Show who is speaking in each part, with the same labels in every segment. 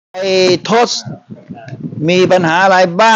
Speaker 1: ไอ้ทศมีปัญหาอะไรบ้าง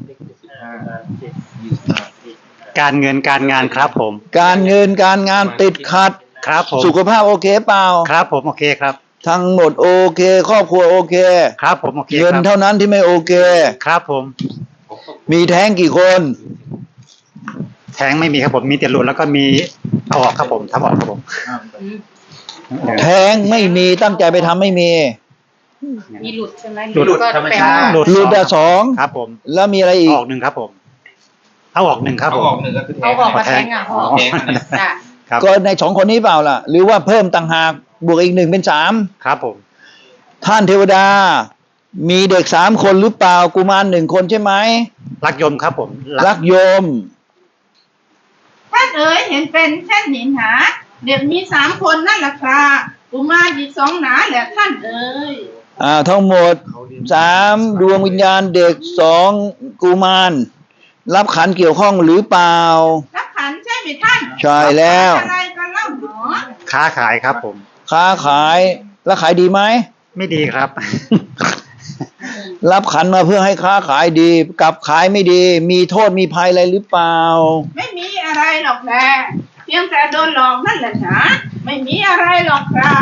Speaker 2: การเงินการงานครับผม
Speaker 1: การเงินการงานติดขัด
Speaker 2: ครับผม
Speaker 1: สุขภาพโอเคเปล่า
Speaker 2: ครับผมโอเคครับ
Speaker 1: ทั้งหมดโอเคครอบครัวโอเค
Speaker 2: ครับผมโอเค
Speaker 1: เงิน
Speaker 2: ครับ
Speaker 1: เท่านั้นที่ไม่โอเค
Speaker 2: ครับผม
Speaker 1: มีแท้งกี่คน
Speaker 2: แท้งไม่มีครับผมมีแต่หลุดแล้วก็มีเอาออกครับผมทำออกครับผม
Speaker 1: แท้งไม่มีตั้งใจไปทำไม่มี
Speaker 3: มีหลุดใช่ไหม
Speaker 2: หลุด
Speaker 3: ก็
Speaker 2: ธรรม
Speaker 3: แปล
Speaker 2: ชาติ
Speaker 3: ว่า
Speaker 2: หลุด
Speaker 1: หลุดแต่สอง
Speaker 2: ครับผม
Speaker 1: แล้วมีอะไรอีก
Speaker 2: ออกหนึ่งครับผมเอาออกหนึ่งครับผม
Speaker 4: เอาออกหนึ่งก็คือแท้
Speaker 3: เอา
Speaker 4: ง
Speaker 3: ออกมาแทงอ่ะ
Speaker 2: อ๋อ
Speaker 4: แท้งเนี่ย
Speaker 3: จ้ะ
Speaker 2: ครับ
Speaker 1: ก็ในสองคนนี้เปล่าล่ะ หรือว่าเพิ่มต่างหากบวกอีกหนึ่งเป็นสาม
Speaker 2: ครับผม
Speaker 1: ท่านเทวดา มีเด็กสามคนหรือเปล่ากุมารหนึ่งคนใช่ไหม
Speaker 2: รักยมครับผม
Speaker 1: รักโยม
Speaker 5: ท่านเอ๋ยเห็นเป็นเช่นนี้หนาเด็กมี3 คนนั่นแหละครับกุมารอีก2หนาแหละท่านเอ๋ย
Speaker 1: ทั้งหมด3 ดวงวิญญาณเด็ก2 กุมารรับขันเกี่ยวข้องหรือเปล่า
Speaker 5: รับขันใช่ไหมท่าน
Speaker 1: ใช่แล้ว
Speaker 5: อะไรกันเล่าหนอ
Speaker 2: ค้าขายครับผม
Speaker 1: ค้าขายแล้วขายดีไหม
Speaker 2: ไม่ดีครับ
Speaker 1: รับขันมาเพื่อให้ค้าขายดีกลับขายไม่ดี มีโทษมีภัยอะไรหรือเปล่า
Speaker 5: ไม่มีอะไรหรอกแหละเพียงแต่โดนหลอกนั่นแหละนะไม่มีอะไรหรอกครับ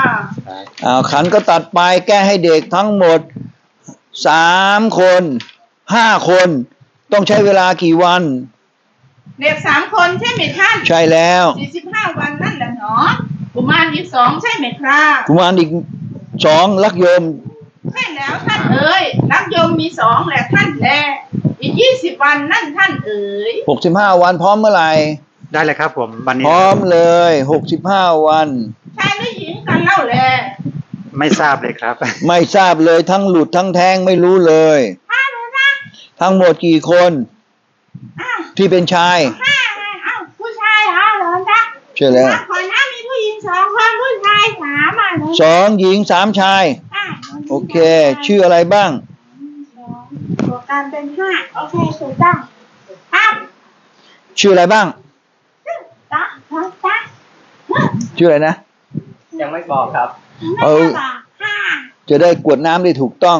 Speaker 1: ขันก็ตัดไปแก้ให้เด็กทั้งหมด3 คน 5 คน ต้องใช้เวลากี่วัน
Speaker 5: เด็ก3 คนใช่ไหมท่าน
Speaker 1: ใช่แล้ว
Speaker 5: 45 วันนั่นแหละเนาะกุมารอีก2ใช่ไหมครับ
Speaker 1: กุมารอีก2รักโยม
Speaker 5: ใช่แล้วท่านเอ๋ยรักโยมมี2แหละท่านแลอีก20 วันนั่นท่านเอ๋ย
Speaker 1: 65 วันพร้อมเมื่อไหร่
Speaker 2: ได้เลยครับผมวันนี้
Speaker 1: พร้อมเลย65 วัน
Speaker 5: ชายหรือหญิงกันเล่าแล
Speaker 2: ไม่ทราบเลยครับ
Speaker 1: ไม่ทราบเลยทั้งหลุดทั้งแทงไม่รู้เลย
Speaker 5: อ้าวนะ
Speaker 1: ทั้งหมดกี่คน
Speaker 5: อ้าว
Speaker 1: ที่เป็นชาย
Speaker 5: อ้าวผู้ชายเหรอจ๊ะ
Speaker 1: ใช่แล้ว
Speaker 5: ก่อนหน้ามีผู้หญิง2 คนผู้ชาย3อ่ะ
Speaker 1: 2 หญิง 3 ชาย โอเค ชื่ออะไรบ้าง
Speaker 5: บวกกันเป็น5โอเคถูกต้องครับ
Speaker 1: ชื่ออะไรบ้าง
Speaker 5: จ๊ะจ๊ะ
Speaker 1: ชื่ออะไรนะ
Speaker 4: ยังไม่บอกครับ
Speaker 5: ไม่ได้บอกห้า
Speaker 1: จะได้กวดน้ำได้ถูกต้อง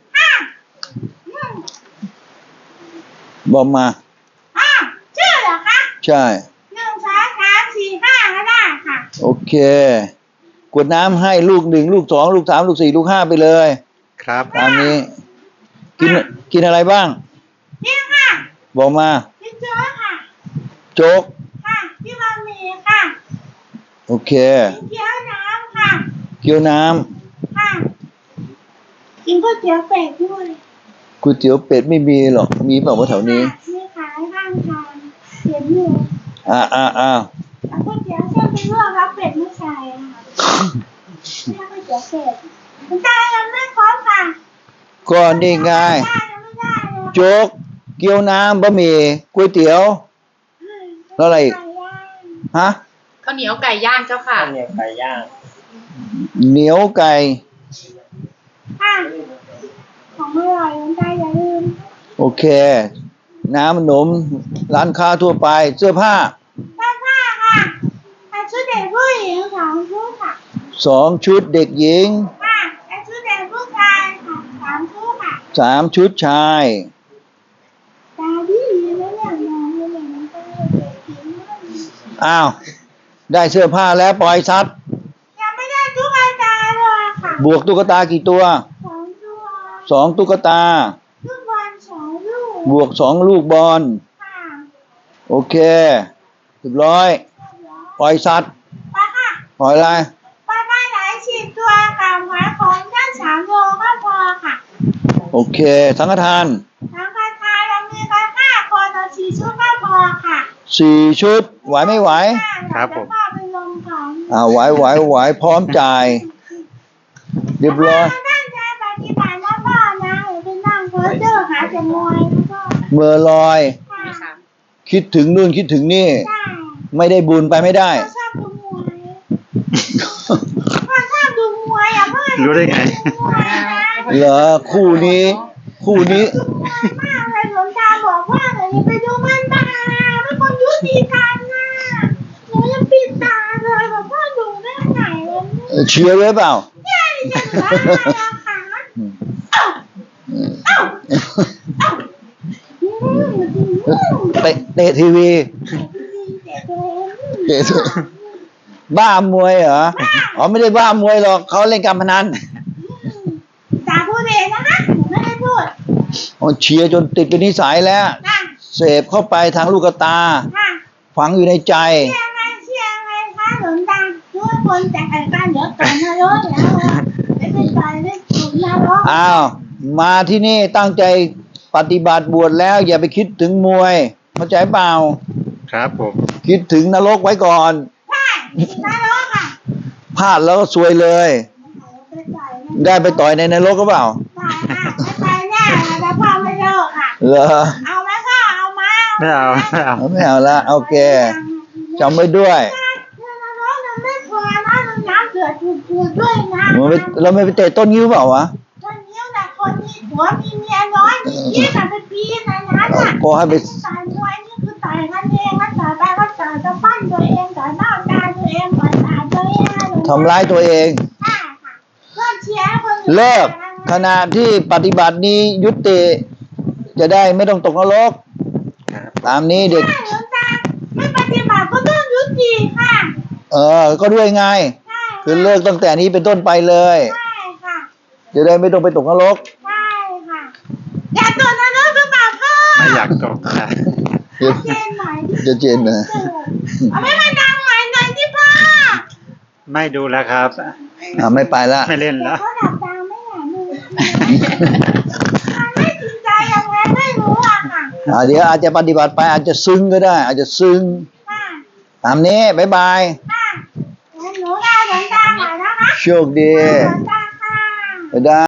Speaker 1: บอกมา
Speaker 5: ชื่อเหรอคะ
Speaker 1: ใช่
Speaker 5: 1 2 3 4 5ก็ได้ค่ะ
Speaker 1: โอเค กวดน้ำให้ลูก 1 ลูก 2 ลูก 3 ลูก 4 ลูก 5 ไปเลย
Speaker 2: ครับ
Speaker 1: ตามนี้ กินอะไรบ้าง
Speaker 5: นี่ค่ะ
Speaker 1: บอกมา
Speaker 5: พี่โจ๊กค่ะ
Speaker 1: โจ๊ก
Speaker 5: ค่ะพี่บะหมี่ค่ะ
Speaker 1: โอเค
Speaker 5: กินเกี๊ยวน้ำค่ะ
Speaker 1: เกี๊ยวน้
Speaker 5: ค่ะกินก๋วยเตี๋ยวเป็ดด้วย
Speaker 1: ำก๋วยเตี๋ยวเป็ดไม่มีหรอก มีเปล่าวะแถวนี้
Speaker 5: มีขายข้างทางเขียนอยู่
Speaker 1: อ่า
Speaker 5: ก๋วยเตี๋ยวเส้นเป็นลวกครับเป็ดไม่ใส่อะค่ะไม่ก๋วยเตี๋ยวเป็ดคุณตายังไม่ครบค่ะ
Speaker 1: ก็นี่ไง
Speaker 5: ตายังไม่ได้เลย
Speaker 1: โจ๊ก เกี๊ยวน้ำบะหมี่ก๋วยเตี๋ยว แล้วอะไรอีก
Speaker 5: ไก่ย่าง
Speaker 1: ฮะ
Speaker 3: ข้าวเหนียวไก่ย่างเจ้าค่ะ
Speaker 4: เนี่ยไก่ย่าง
Speaker 1: เหนียวไก่
Speaker 5: ค่ะของอร่อยคุณตาอย่าลืม
Speaker 1: โอเค น้ำขนม ร้านค้าทั่วไป เสื้อผ้า
Speaker 5: เสื้อผ้าค่ะแต่ชุดเด็กผู้หญิง2 ชุดค่ะ
Speaker 1: 2 ชุดเด็กหญิง
Speaker 5: ค่ะแต่ชุดเด็กผู้ชายค่ะ3 ชุดค่ะ
Speaker 1: 3 ชุดชาย
Speaker 5: ตาดีแล้วเนี่ยมองเลยมันตาเด็กหญิงมาก
Speaker 1: อ้าว ได้เสื้อผ้าแล้วปล่อยซัด
Speaker 5: ยังไม่ได้ตุ๊กตาเลยค่ะ
Speaker 1: บวกตุ๊กตากี่ตัว
Speaker 5: 2 ตัว
Speaker 1: 2 ตุ๊กตา
Speaker 5: ลูกบอล2 ลูก
Speaker 1: บวก 2 ลูกบอล
Speaker 5: ค่ะ
Speaker 1: โอเคเรียบร้อย ปล่อยสัตว์
Speaker 5: ไปค่ะ
Speaker 1: ปล่อยอะไร
Speaker 5: ไปได้หลาย10 ตัวค่ะหมายของแค่3 โลก็พอค่ะ
Speaker 1: โอเค สังฆทาน
Speaker 5: ทางการค้าเรามีกัน5 คนต่อ4 ชุดก็พอค่ะ
Speaker 1: 4 ชุด ไหวไม่ไหว
Speaker 2: ครับผม
Speaker 5: แล้วก็ไปลงของ
Speaker 1: ไหวพร้อมจ่าย เรียบร้อย
Speaker 5: ตั้งใจปฏิบัติแล้วก็นะอย่าไปนั่งเพ้อเจ้อหาแต่มวยแล้วก็
Speaker 1: เมื่อลอย
Speaker 5: ค่ะ
Speaker 1: คิดถึงนู่นคิดถึงนี่
Speaker 5: ได้
Speaker 1: ไม่ได้บุญไปไม่ได้
Speaker 5: พ่อชอบดูมวยพ่อชอบดูมวยอ่ะพ่อ
Speaker 2: รู้ได้ไง
Speaker 5: ดูมวยนะ
Speaker 1: เหรอคู่นี้
Speaker 5: ดูมวยมากเลยหลวงตาบอกว่าเดี๋ยวไปดูมันตาเป็นคนยุติธรรมนะหนูยังปิดตาเลยแบบพ่อดูได้ไหนวะเนี่ย
Speaker 1: เชียร์ไว้เปล่า
Speaker 5: เนี่ยดิฉันเหลืออะไรอะคะ
Speaker 1: เตะทีวี
Speaker 5: เด็กเลย
Speaker 1: บ้ามวยเหรอ อ๋อไม่ได้บ้ามวยหรอกเขาเล่นการพนัน
Speaker 5: ตาพูดเองนะคะหนูไม่ได้พูด
Speaker 1: อ๋อเชียร์จนติดเป็นนิสัยแล้ว
Speaker 5: ค่ะ
Speaker 1: เสพเข้าไปทางลูกตา
Speaker 5: ค่ะ
Speaker 1: ฝังอยู่ในใจ
Speaker 5: เชื่อไงคะหลวงตาทุกคนแต่ไอ้บ้านเดี๋ยวก่อนนะรถแล้วไม่เป็นไรไม่ถูกนะรถ
Speaker 1: อ้าว มาที่นี่ตั้งใจปฏิบัติบวชแล้ว อย่าไปคิดถึงมวย เข้าใจเปล่า
Speaker 2: ครับผม
Speaker 1: คิดถึงนรกไว้ก่อน
Speaker 5: ใช่นะรถค่ะ
Speaker 1: พลาดแล้วก็ซวยเลย ได้ไปต่อยในนรกก็เปล่า
Speaker 5: ได้ค่ะไม่ไปแน่แต่พ่อไม่เลิกค่ะ
Speaker 1: เหรอ
Speaker 5: เอาไหมพ่อเอาไหม
Speaker 2: ไม่เอาไม่เอา
Speaker 1: ไม่เอาละโอเคจำไว้ด้วย
Speaker 5: ไม่พอนะน้ำเดือดจุดๆด้วยนะ
Speaker 1: เราไม่ไปเตะต้นยิ้วเปล่าวะ
Speaker 5: คนนี้แต่คนมีผัวมีเมียน้อยยี่สิบปีนะนะน่ะ
Speaker 1: ก็ให้ไป
Speaker 5: ต่อยมวยนี่คือต่อยกันเองนะต่อยไปก็ต่อยจะปั้นตัวเองต่อยหน้าตาตัวเองต่อยตาตัวเอง
Speaker 1: ทำร้ายตัวเอง
Speaker 5: ค่ะเลิกเชียร์คนอื่น
Speaker 1: เลิกขณะที่ปฏิบัตินี้ยุติ จะได้ไม่ต้องตกนรก
Speaker 2: ครับ
Speaker 1: ตามนี้เด็ก
Speaker 5: ใช่หลวงตาไม่ปฏิบัติก็ต้องยุติค่ะ
Speaker 1: ก็ด้วยไง
Speaker 5: ใช่
Speaker 1: คือเลิกตั้งแต่นี้เป็นต้นไปเลย
Speaker 5: ใช่ค่ะ
Speaker 1: จะได้ไม่ต้องไปตกนรก
Speaker 5: ใช่ค่ะอยากตัวนั้นหรือเปล่าพ่อ
Speaker 2: ไม่อยากตกนะ
Speaker 1: เดี๋ยว
Speaker 5: เจนหน่อย
Speaker 1: จะเจนนะ
Speaker 5: เอาไม่มาดังหน่อยหน่อยที่พ่อ
Speaker 2: ไม่ดูแล้วครับ
Speaker 1: ไม่ไปละ
Speaker 2: ไม่เล่น
Speaker 5: เดี๋ย
Speaker 2: แล้ว ว
Speaker 5: เขาดับดังไม่อยากดูมันไม่จริงใจยังไงไม่รู้อะค่ะ
Speaker 1: เดี๋ยวอาจจะปฏิบัติไปอาจจะซึ้งก็ได้ อาจจะซึ้ง
Speaker 5: ค่ะ
Speaker 1: ตามนี้บ๊ายบาย
Speaker 5: ค่ะงั้นหนูลาหลวงตาหน่อยนะคะ
Speaker 1: โชคดี
Speaker 5: หลวงตาค่ะ
Speaker 1: บ๊ายบาย